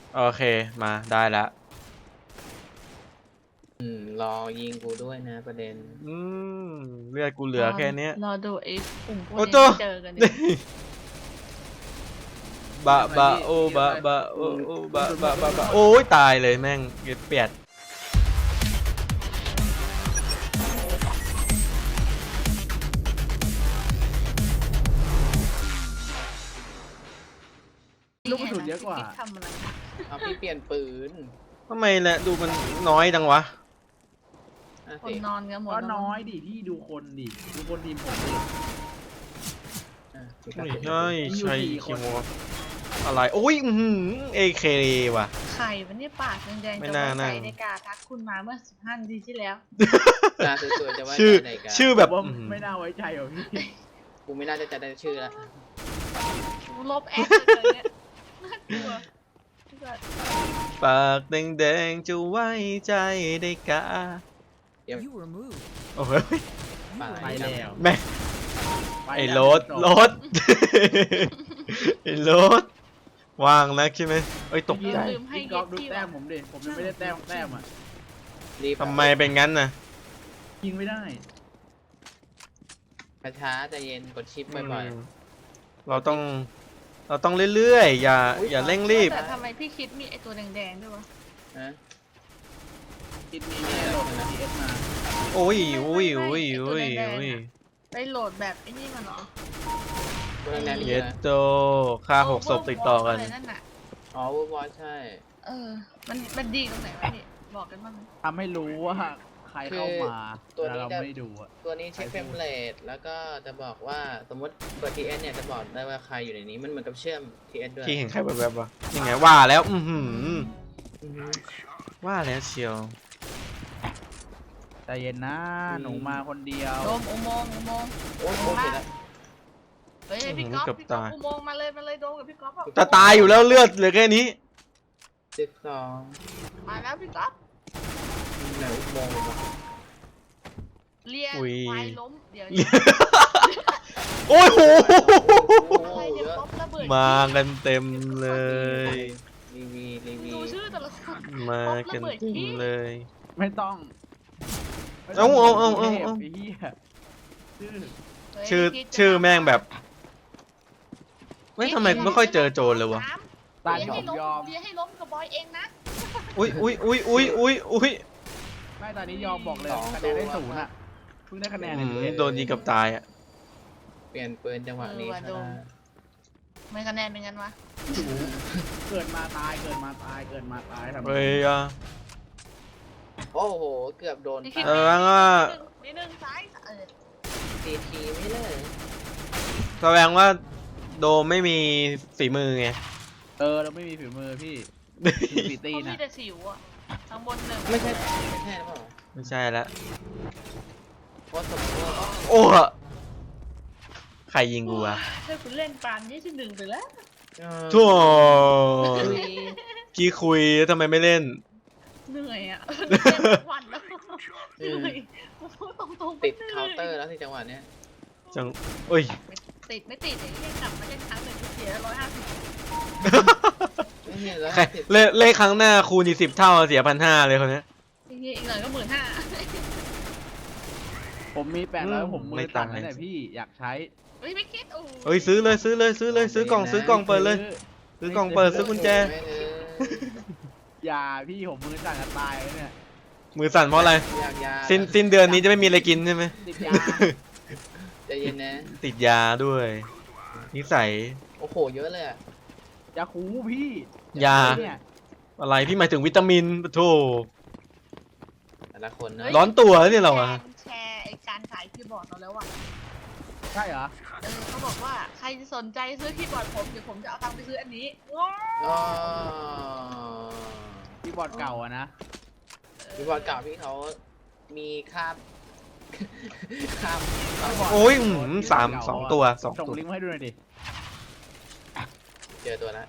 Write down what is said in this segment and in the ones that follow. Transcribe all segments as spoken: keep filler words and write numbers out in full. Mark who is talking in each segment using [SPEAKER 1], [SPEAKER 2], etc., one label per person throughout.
[SPEAKER 1] โอเคมาได้แล้ว
[SPEAKER 2] อืมรอยิงกูด้วยนะประเด็น
[SPEAKER 1] อืมเลือดกูเหลือแค่เนี้ย
[SPEAKER 3] รอดูไอ้กลุ่มพวก
[SPEAKER 1] โอ้
[SPEAKER 3] นี้
[SPEAKER 1] โจ
[SPEAKER 3] เจอกันดิ
[SPEAKER 1] บะบะโอบะบะโอโอบะบะบะบะโอ้ยตายเลยแม่งเปียด
[SPEAKER 4] ลูกกระสุนเยอะกว่า
[SPEAKER 3] พี่ทำอะไร
[SPEAKER 2] เอาพี่เปลี่ยนปืน
[SPEAKER 1] ทำไมแหละดูมันน้อยจังวะ
[SPEAKER 2] อ่ะ
[SPEAKER 3] คน
[SPEAKER 2] สิ
[SPEAKER 3] นอนกันหมด
[SPEAKER 4] ก็
[SPEAKER 3] แล้ว
[SPEAKER 4] น้อยดิพี่ดูคนดิดูคนทีมผมดิ
[SPEAKER 2] อ่ะสิ
[SPEAKER 1] ไม่
[SPEAKER 2] ครับ
[SPEAKER 1] ใช่
[SPEAKER 4] มีอยู่
[SPEAKER 1] ใช่
[SPEAKER 4] สี่
[SPEAKER 1] คิ
[SPEAKER 4] คน
[SPEAKER 1] โมอะไรโอ้ยอือเอเคว่ะ
[SPEAKER 3] ไข่มันนี่ปากแดงๆ
[SPEAKER 1] ไม่
[SPEAKER 3] จะ
[SPEAKER 1] น่า
[SPEAKER 3] ไว้ใจ
[SPEAKER 1] นั่ง
[SPEAKER 3] ในการทักคุณมาเมื่อสิบห้านาทีที่แล้ว
[SPEAKER 2] ตาสวยๆจะว่า
[SPEAKER 1] ชื่อ
[SPEAKER 2] ไหนกัน
[SPEAKER 1] ชื่อแบบ
[SPEAKER 4] ว่า
[SPEAKER 1] อื้อหือ
[SPEAKER 4] ไม่น่าไว้ใจหรอพี่
[SPEAKER 2] กูไม่น่าจะจำได้ชื่อละ
[SPEAKER 3] ลบแอปเลยเนี่ยน่ากลัว
[SPEAKER 1] ปากแดงๆจะไว้ใจได้กะ
[SPEAKER 5] You were moved.
[SPEAKER 1] โอ้ย
[SPEAKER 2] ป่า
[SPEAKER 4] ไปแล้ว
[SPEAKER 1] แม่
[SPEAKER 4] ไป
[SPEAKER 1] ไอ้
[SPEAKER 4] แล้ว
[SPEAKER 1] รถรถ ไอ้รถว่างนักใช่ไหมเอ้ยตกใจ
[SPEAKER 3] ลืมให้
[SPEAKER 4] พี่
[SPEAKER 3] เย็
[SPEAKER 4] ก๊อฟ
[SPEAKER 3] ด
[SPEAKER 4] ดู
[SPEAKER 3] ที่
[SPEAKER 4] แต้
[SPEAKER 3] ว่ะ
[SPEAKER 4] มผมดิผมยังไม่ได้แต้มแต้มอ่ะ
[SPEAKER 2] รีบ
[SPEAKER 1] ทำไมเป็นงั้นน่ะ
[SPEAKER 4] ยิงไม่ได้
[SPEAKER 2] ช้าๆใจเย็นกดชิปบ่อย
[SPEAKER 1] อืมเราต้อง เราต้องเรื่อยๆ อย่า
[SPEAKER 2] อุ๊ย
[SPEAKER 1] อย่าเร่งรีบ
[SPEAKER 3] แต่ทำไมพี่คิดมีไอตัวแดงๆด้วยวะ
[SPEAKER 2] ๆนะ
[SPEAKER 4] คิดมีเนี่ยโหลดทีเอสมา
[SPEAKER 1] โอ้ยโอ้ยโอ้ยโอ้ยโอ้ย
[SPEAKER 3] ไปโหลดแบบไอ้นี่มันเหรอ
[SPEAKER 2] ตัวแรงๆนี่
[SPEAKER 1] เย็ด
[SPEAKER 2] นะ
[SPEAKER 1] โตค่าหกศพติดต่อกัน
[SPEAKER 3] ะไรนั่นน่ะ
[SPEAKER 2] อ๋อวูบอลใช่
[SPEAKER 3] เออ มันมันดีตรงไหนวะพี่บอกกันบ้างไหม
[SPEAKER 4] ทำให้รู้ว่าใครเข้ามา
[SPEAKER 2] ตัว
[SPEAKER 4] แต่
[SPEAKER 2] นี้
[SPEAKER 4] เรา
[SPEAKER 2] จะ
[SPEAKER 4] ไม่ดูอ่ะ
[SPEAKER 2] ตัวนี้เช็คเฟรมเรทแล้วก็จะบอกว่าสมมติเปิด ที เอส เนี่ยจะบอกได้ว่าใครอยู่ในนี้มันเหมือนกับเชื่อม ที เอส ด้วย
[SPEAKER 1] ที่เห็นใครแบบๆวะยังไงว่าแล้ว อือหือ
[SPEAKER 2] อือฮึ
[SPEAKER 1] ว่าแล้วเชียว
[SPEAKER 4] ใจเย็นนะหนูมาคนเดียว
[SPEAKER 3] โดมอุโมงค์อุโมงค์
[SPEAKER 2] โอ้โหเสร็จแล้ว
[SPEAKER 3] เฮ้ยพี่ก๊อฟพี่ก๊อฟอุโมงค์มาเลยมาเลยโดมกับพี่ก๊อฟอะ
[SPEAKER 1] จะตายอยู่แล้วเลือดเหลือแค่นี้
[SPEAKER 2] สิบสอง
[SPEAKER 3] มาแล้วพี่ก๊อฟ
[SPEAKER 2] ไหนอุโมงค์วะ
[SPEAKER 3] เลีย
[SPEAKER 1] อุ๊ย
[SPEAKER 3] ควายล้มเดี๋ยว
[SPEAKER 1] โอ้ยโห
[SPEAKER 2] โอ้
[SPEAKER 3] อะไร
[SPEAKER 2] โห
[SPEAKER 3] เนี่ย
[SPEAKER 2] เยอะ
[SPEAKER 3] ป๊อประเบิด
[SPEAKER 1] มากันเต็มเลย
[SPEAKER 2] รีวีรีวี
[SPEAKER 3] ดูชื่อแต่ละคน
[SPEAKER 1] มากันเต็มเลย
[SPEAKER 4] ไม่ต้อง
[SPEAKER 1] เอาเอาเอาเอาเอา
[SPEAKER 4] ไอ้เหี้ยชื่อ
[SPEAKER 1] ชื่อชื่อแม่งแบบไม่ทำไมไม่ค่อยเจอโจรเลยวะ
[SPEAKER 4] ตา
[SPEAKER 3] เลีย
[SPEAKER 4] ยอ
[SPEAKER 3] ให้
[SPEAKER 4] ม
[SPEAKER 3] ล้ม
[SPEAKER 4] ยอม
[SPEAKER 3] เลียให้ล้มกับบอยเองนะ
[SPEAKER 1] อุ้ยอุ้ยอุ้ยอุ้ยอุ้ยอุ้ย
[SPEAKER 4] ไม่ตอนนี้ยอมบอกเลยคะแนนได้ศูนย์อ่ะเพิ่งได้คะแนน
[SPEAKER 1] อื
[SPEAKER 4] ใน
[SPEAKER 1] มโดนยิงกับตายอ่ะ
[SPEAKER 2] เปลี่ยนปืนจังหวะนี้ค่ะ
[SPEAKER 3] ไม่คะแนนเป็นกันวะ
[SPEAKER 4] เกิดมาตายเกิดมาตายเกิดมาตายทำไม
[SPEAKER 1] เฮ้ยอ่ะ
[SPEAKER 2] โอ้โหเกือบโดน
[SPEAKER 3] นี่คิด
[SPEAKER 1] เออว่า
[SPEAKER 3] นิดนึงซ้ายเออ
[SPEAKER 2] ตีทีไม่เลย
[SPEAKER 1] แสดงว่าโดมไม่มีฝีมือไง
[SPEAKER 4] เออเราไม่มีฝีมือพี่ฝีตี
[SPEAKER 3] เขา
[SPEAKER 4] น
[SPEAKER 3] มี
[SPEAKER 4] อ่ะ
[SPEAKER 3] แต่สิวอ่ะข้างบนหนึ่ง
[SPEAKER 2] ไม่ใช่ไม่ใช่หรือเปล่า
[SPEAKER 1] ไม่ใช่ละ
[SPEAKER 2] เพราะสมมติว่า
[SPEAKER 1] โอ้ใครยิงกูอ่ะ
[SPEAKER 3] ถ้าคุณเล่นปานยี่สิบหนึ่งไปแล้ว
[SPEAKER 2] เออ
[SPEAKER 1] ทั่ว
[SPEAKER 2] คุย
[SPEAKER 1] พี่คุยทำไมไม่เล่น
[SPEAKER 3] เหนื่อยอ่ะเล่นทุกวันแล้วเหนื่อยพูดตรงๆ
[SPEAKER 2] ติดเคาน์เตอร์แล้วที่จังหวะเนี้ย
[SPEAKER 1] จังอุ้ย
[SPEAKER 3] ติดไม่ติดไอ้เล่นกลับมาเล่นครั้งหนึ่งเสียร้อยห้าสิบ
[SPEAKER 2] ไม่เห็นแล้ว
[SPEAKER 1] ใครเล่นเล่นครั้งหน้าคูณอีกสิบเท่าเสียพันห้าเลยคนเนี้ย
[SPEAKER 3] จริงๆอีกหน่อยก็หมื่นห้า
[SPEAKER 4] ผมมีแปดร้อยผมมื
[SPEAKER 1] ไม่
[SPEAKER 4] อ
[SPEAKER 1] ต่า
[SPEAKER 4] ตั
[SPEAKER 1] ง
[SPEAKER 4] น
[SPEAKER 1] เลย
[SPEAKER 4] นั่นแหละพี่อยากใช้
[SPEAKER 3] เฮ้ยไม่คิดโอ้
[SPEAKER 1] เฮ้ยซื้อเลยซื้อเลยซื้อเลยซื้อกล่องซื้อกล่องเปิดเลย ซื้อกล่องเปิดซื้อกุญแจ
[SPEAKER 2] ไม่เลย
[SPEAKER 4] อย่าพี่ผมมือสั่นจะตายแล้วเนี่ย
[SPEAKER 1] มือสั่นเพราะอะไร
[SPEAKER 2] อยากยา
[SPEAKER 1] สิ้นสิ้นเดือนนี้จะไม่มีอะไรกินใช่ไหม
[SPEAKER 4] ติดยา
[SPEAKER 2] ใจเย็นนะ
[SPEAKER 1] ติดยาด้วย นิสัย
[SPEAKER 2] โอ้โหเยอะเลยอะ
[SPEAKER 4] ยาคูพี่
[SPEAKER 1] ยา
[SPEAKER 4] เนี่ย
[SPEAKER 1] อะไรพี่หมายถึงวิตามินปะโถ
[SPEAKER 2] แต่ละคนนะ
[SPEAKER 1] ร้อนตัวเนี่ยเราอะ
[SPEAKER 3] แชร์ไอ้การขายคีย์บอร์ดเราแล้วว่ะ
[SPEAKER 4] ใช่เหรอ
[SPEAKER 3] เออเขาบอกว่าใครสนใจซื้อคีย์บอร์ดผมเดี๋ยวผมจะเอาตังค์ไปซื้ออันนี้
[SPEAKER 2] อ๋อ
[SPEAKER 4] ที่บอร์ดเก่าอะนะ
[SPEAKER 2] พี่บอลเก่าพี่เขามีคาบ คาบคาบ
[SPEAKER 1] โอ้ยอื้อหือสามสองตัวสอง
[SPEAKER 4] ส่ง
[SPEAKER 1] ตัว
[SPEAKER 4] ลิงก์มาให้ดูหน่อยดิ
[SPEAKER 2] เจอตัวแล้ว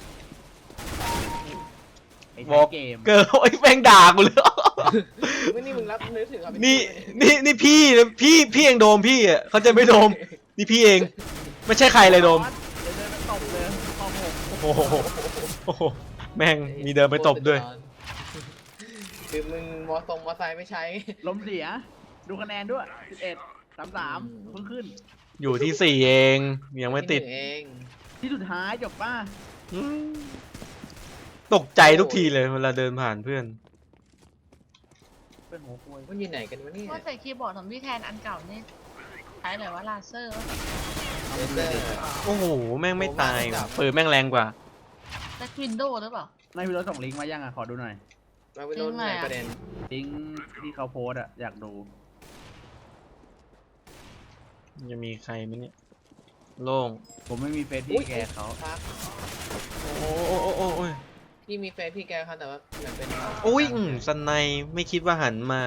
[SPEAKER 4] ไอ้
[SPEAKER 1] บ
[SPEAKER 4] ใช้
[SPEAKER 1] อก
[SPEAKER 4] เกม
[SPEAKER 1] เกิร์ลไอ้แม่งด่ากูเลย
[SPEAKER 2] ไม่นี่มึงรับนึกถึงครับ
[SPEAKER 1] นี่นี่นี่พี่พี่พี่เองโดมพี่อ่ะเขาจะไม่โดมนี่พี่เอง ไม่ใช่ใครเลยโดม
[SPEAKER 4] เดี๋ยวเดินมาตบเลยข้อหก
[SPEAKER 1] โอ้โหโอ้โหแม่งมีเดินไปตบด้วย
[SPEAKER 2] คือมึงมอทรงมอไซค์ไม่ใช้
[SPEAKER 4] ล้มเสีย ดูคะแนนด้วยสิบเอ็ดสามสามเพิ่งขึ้น
[SPEAKER 1] อยู่ที่สี่เองยังไม่ติด
[SPEAKER 2] ที่หนึ่งเอง
[SPEAKER 4] ที่สุดท้ายจบป้า
[SPEAKER 1] อืมตกใจทุกทีเลยเวลาเดินผ่านเพื่อน
[SPEAKER 4] เป็นหัวควย
[SPEAKER 2] มันอยู่ไหนกันวะเนี่ย
[SPEAKER 3] ว่าใส่คีย์บอร์ดของพี่แทนอันเก่านี่ใช้อะไรวะลาเซอร์วะ
[SPEAKER 2] เลเซอร์
[SPEAKER 1] โอ้โหแม่งไม่ตายว่ะปืนแม่งแรงกว่า
[SPEAKER 3] แต่วินโดว์หรือเปล่า
[SPEAKER 4] นายพี่รถส่งลิงก์มายังอ่ะ ขอดูหน่อย
[SPEAKER 2] มาวินโดว์ไหนประเด็น
[SPEAKER 4] ลิงก์ที่เขาโพสต์อ่ะ อยากดู
[SPEAKER 1] จะมีใครไหมเนี่ยโล่ง
[SPEAKER 4] ผมไม่มีเฟซพี่แกเขา
[SPEAKER 2] ครับ
[SPEAKER 1] โอ้โอ้โอ้โอ้โอ้ย
[SPEAKER 2] พี่มีเฟซพี่แกครับแต่ว่าเหมือนเป็น
[SPEAKER 1] โอ้ยอืมสนในไม่คิดว่าหันมา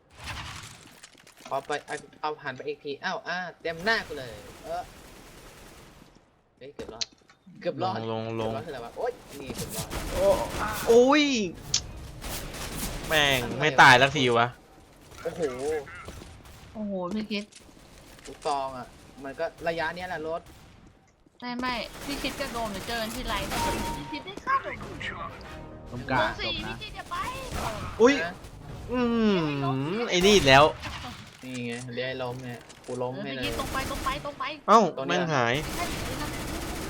[SPEAKER 2] เอาไปเอาเอาหันไปอีกทีอ้าวอ่าเต็มหน้ากูเลย เออเฮ้ยเกือบรอดเกือบรอด
[SPEAKER 1] ลงลงลง
[SPEAKER 2] เกือบรอดคืออะไรวะโอ๊ยนี่เกือบรอด
[SPEAKER 1] โอ้ยแม่งไม่ตายสักทีวะ
[SPEAKER 2] โอ้โห
[SPEAKER 3] โอ้โหพี่คิด
[SPEAKER 2] ลูกซองอ่ะ มันก็ระยะเนี้ยแหละรถ
[SPEAKER 3] ไม่ไม่พี่คิดกับโดมเดี๋ยวเจอกันที่ไลน์นะพี่คิดได้ค่าโดม
[SPEAKER 4] ตรง
[SPEAKER 3] โด
[SPEAKER 4] กลาง
[SPEAKER 3] ม
[SPEAKER 4] จ
[SPEAKER 3] สี่
[SPEAKER 4] บ
[SPEAKER 3] พี่
[SPEAKER 4] นะ
[SPEAKER 3] คิดจะไป
[SPEAKER 1] อุ้ย
[SPEAKER 2] นะ
[SPEAKER 1] อืมไอ้นี่อีกแล้ว
[SPEAKER 2] นี่ไงเรียกให้ล้มเนี่ยกูล้ม
[SPEAKER 3] เออ
[SPEAKER 2] ให้
[SPEAKER 3] พี่
[SPEAKER 2] เล
[SPEAKER 3] คิ
[SPEAKER 2] ย
[SPEAKER 3] ดตรงไปตรงไปตรงไป
[SPEAKER 1] เอ้า
[SPEAKER 2] ตัวเนี้ย
[SPEAKER 1] แม่งหาย
[SPEAKER 3] ใช่หรือนั่น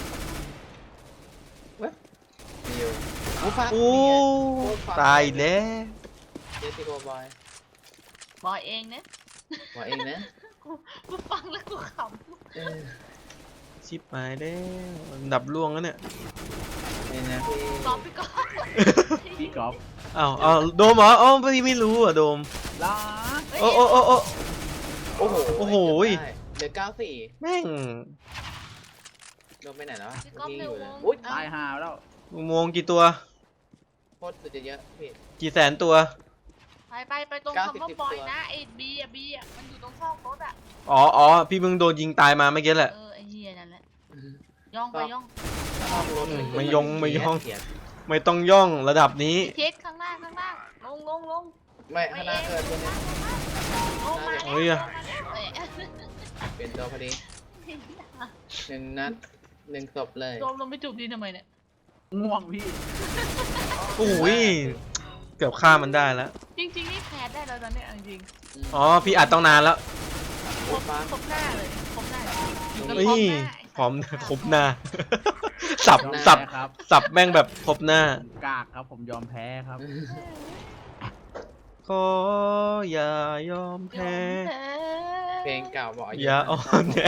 [SPEAKER 2] มีอยู่กูฟัก
[SPEAKER 1] โอ้ตายอีกแล้ว
[SPEAKER 2] เจสซี่โกบอย
[SPEAKER 3] บอยเองนะ
[SPEAKER 2] ว่าเองนะ
[SPEAKER 3] กูกูฟังแล้วกูข
[SPEAKER 2] เออ
[SPEAKER 1] ชิบหายแล้วดับล่วงแล้วเนี่ย
[SPEAKER 2] นี่นะพี่
[SPEAKER 3] ำกอบพี่กอบ
[SPEAKER 4] พี่กอล์ฟ
[SPEAKER 1] อ้าวอ้าวโดมเหรออ๋อพี่ไม่รู้อ่ะโดม
[SPEAKER 4] ลา
[SPEAKER 1] โอ้โอ้โอ้โอ้
[SPEAKER 2] โอ้โห
[SPEAKER 1] โอ้โห
[SPEAKER 2] ได้เหลือเก้าสี่
[SPEAKER 1] แม่ง
[SPEAKER 2] โดนไปไหนแล้ววะ
[SPEAKER 3] พี่กอบ
[SPEAKER 2] เมื่อกี้
[SPEAKER 3] เร็
[SPEAKER 2] อ
[SPEAKER 3] ว
[SPEAKER 2] ยู่เลย
[SPEAKER 3] ง
[SPEAKER 2] อุ้ย
[SPEAKER 4] ตายหาแล้ว
[SPEAKER 1] อุโมงค์กี่ตัว
[SPEAKER 2] โคตรสุดจะเยอะพี่
[SPEAKER 1] กี่แสนตัว
[SPEAKER 3] ไปไปไปตรง
[SPEAKER 2] เก้า
[SPEAKER 3] คำ
[SPEAKER 2] สิบ
[SPEAKER 3] ว่า
[SPEAKER 2] สิบ
[SPEAKER 3] บอย
[SPEAKER 2] ตัว
[SPEAKER 3] นะไอ้บีอะบีอะมันอยู่ตรงซอกรถอะ
[SPEAKER 1] อ๋ออ๋อพี่มึงโดนยิงตายมาเมื่อกี้แหละ
[SPEAKER 3] เออไอ้เฮียนั่นแหละย่องไปย่อง
[SPEAKER 2] ชอบรถ
[SPEAKER 1] อืมไม่ยงไม่ยง
[SPEAKER 2] เกลียด
[SPEAKER 1] ไม่ต้องย่องระดับนี้
[SPEAKER 3] พี่คิดข้างหน้าข้างหน้าลงลงลง
[SPEAKER 2] ไม่ข้างหน้าเกิดตัวนี้
[SPEAKER 3] ลงมาแล้ว
[SPEAKER 1] โอ้ยอะ
[SPEAKER 3] ลงมาแล้วเอ้ย
[SPEAKER 2] เป็นตัวพอดีหนึ่งนัดหนึ่งศพเลย
[SPEAKER 3] โดมลงไปจูบดีทำไมเนี่ย
[SPEAKER 4] ง่วงพี่
[SPEAKER 1] โอ้ยเกือบฆ่ามันได้แล้ว
[SPEAKER 3] จริงๆนี่แพ้ได้แล้วตอนเนี้ยเอาจริง
[SPEAKER 1] อ๋อพี่อัดต้องนานแล้ว
[SPEAKER 3] ครบครบหน้าเลยครบหน้าอยู่กัน
[SPEAKER 1] เฮ้
[SPEAKER 3] ครบ
[SPEAKER 1] ย
[SPEAKER 3] หน้า
[SPEAKER 1] พร้อมครบหน้า สับสับ
[SPEAKER 4] แพ้ครับ
[SPEAKER 1] สับแม่งแบบครบหน้า
[SPEAKER 4] กากครับ ผมยอมแพ้ครับ
[SPEAKER 1] ขออย่ายอมแพ้
[SPEAKER 2] เพลงเก่าบอก
[SPEAKER 1] อย่าอ่อนแอ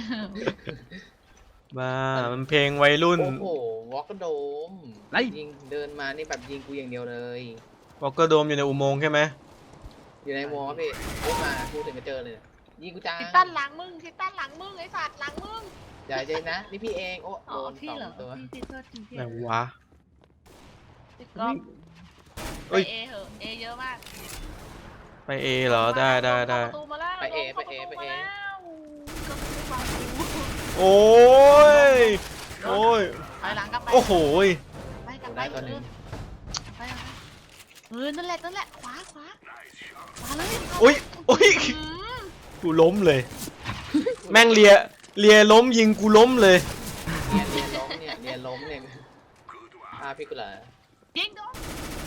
[SPEAKER 1] มามันเพลงวัยรุ่น
[SPEAKER 2] โอ้โหวอลกโดม
[SPEAKER 4] ไร
[SPEAKER 2] ยิงเดินมานี่แบบยิงกูอย่างเดียวเลย
[SPEAKER 1] วอลเกอร์โดมอยู่ในอุโมงค์ใช่ไหม
[SPEAKER 2] อยู่ในวอลพี่พูดมาพูดถึงจะเจอเลยยิงกูจ้า
[SPEAKER 3] ทิตันหลังมึงทิตันหลังมึงไอ้สัตว์หลังมึง
[SPEAKER 2] อย่าใจนะนี่พี่เองโอ้
[SPEAKER 3] อ๋
[SPEAKER 2] โด
[SPEAKER 3] อน พี่
[SPEAKER 2] สอง
[SPEAKER 3] เหรอ
[SPEAKER 2] ตัว
[SPEAKER 3] พี่พี่โทษทีพี่
[SPEAKER 1] ไหนวะ
[SPEAKER 3] พี่ก๊อฟ
[SPEAKER 1] เอ้
[SPEAKER 3] ไป
[SPEAKER 1] ย
[SPEAKER 3] เอเหอะเอเยอะมาก
[SPEAKER 1] ไปเอเหรอได้ได้ได้
[SPEAKER 3] เข้าประตูมาแล้ว
[SPEAKER 2] ไปเอ
[SPEAKER 3] ลงข้า
[SPEAKER 2] ไปเอ
[SPEAKER 3] ระตู
[SPEAKER 2] ไปเอ
[SPEAKER 3] มาแล้วก็ไม่ฟังกู
[SPEAKER 1] โอ้ยโอ้ย
[SPEAKER 3] ถอยหลังกลับไป
[SPEAKER 1] โอ้โหย
[SPEAKER 3] ไปกลับไป
[SPEAKER 2] ได้ตัวหนึ่ง
[SPEAKER 3] ไปกลับไปเออนั่นแหละนั่นแหละขวาขวาขวาเลยขวา
[SPEAKER 1] โอ้ยโอ้ย
[SPEAKER 3] อืม
[SPEAKER 1] กูล้มเลย แม่งเลียเลียล้มยิงกูล้มเลย
[SPEAKER 2] เนี่ยเรียนล้มเนี่ยเรียนล้มเนี่ยพาพี่กูเหรอ
[SPEAKER 3] ยิงโดน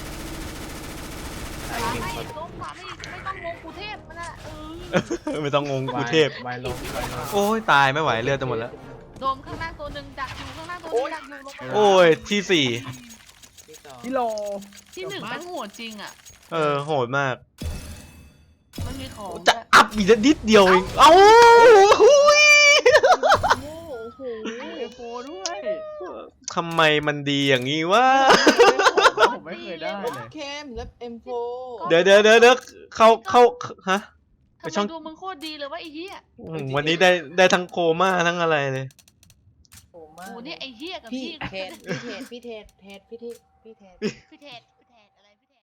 [SPEAKER 2] ไอ้
[SPEAKER 3] ขวา
[SPEAKER 2] ยิง
[SPEAKER 3] ไม่
[SPEAKER 2] คน
[SPEAKER 3] ลงขวาไม่ไม่ต้องลงกูเทพมันน่ะเออ
[SPEAKER 1] ไม่ต้องงงกูเทพ
[SPEAKER 2] วายล้มวายล้ม
[SPEAKER 1] โอ้ยตายไม่ไหวเลือดจะหมดแล้ว
[SPEAKER 3] โดมข้างล่างตัวหนึ่งดักอยู่ข้างล่างตัวหนึงดักอยู่ลงไป
[SPEAKER 1] โอ้ยที่สี่
[SPEAKER 2] ที่สอง
[SPEAKER 4] กิโล
[SPEAKER 3] ที่หนึ่งแม่งโหดจริงอ่ะ
[SPEAKER 1] เออโหดมาก
[SPEAKER 3] มันมีของ
[SPEAKER 1] จะอัพอีกนิดเดียวเองเอ้าหุย
[SPEAKER 3] โอ้โห
[SPEAKER 4] เอโฟด้วย
[SPEAKER 1] ทำไมมันดีอย่างนี้วะ
[SPEAKER 4] ผมไม่เคยได้เลย
[SPEAKER 2] เคมแล้วเอ็มโฟ
[SPEAKER 1] เดี๋ยวเดี๋ยวเดี๋ยวเดี๋ยวเข้าเข้าฮะ ไป
[SPEAKER 3] ทำ
[SPEAKER 1] ช่อง
[SPEAKER 3] ไมดูมึงโคตรดีเลยว่าไอ้เหี้ย
[SPEAKER 1] อืมวันนี้ได้ได้ทั้งโคม่าทั้งอะไรเลย
[SPEAKER 2] โอ้มา
[SPEAKER 3] โอ้นี่ไอ้เหี้ยกับ
[SPEAKER 2] พี่
[SPEAKER 3] พี่
[SPEAKER 2] เทศพี่เทศพี่เทศเทศพี่เทศพี่เทศ
[SPEAKER 3] พี่เทศ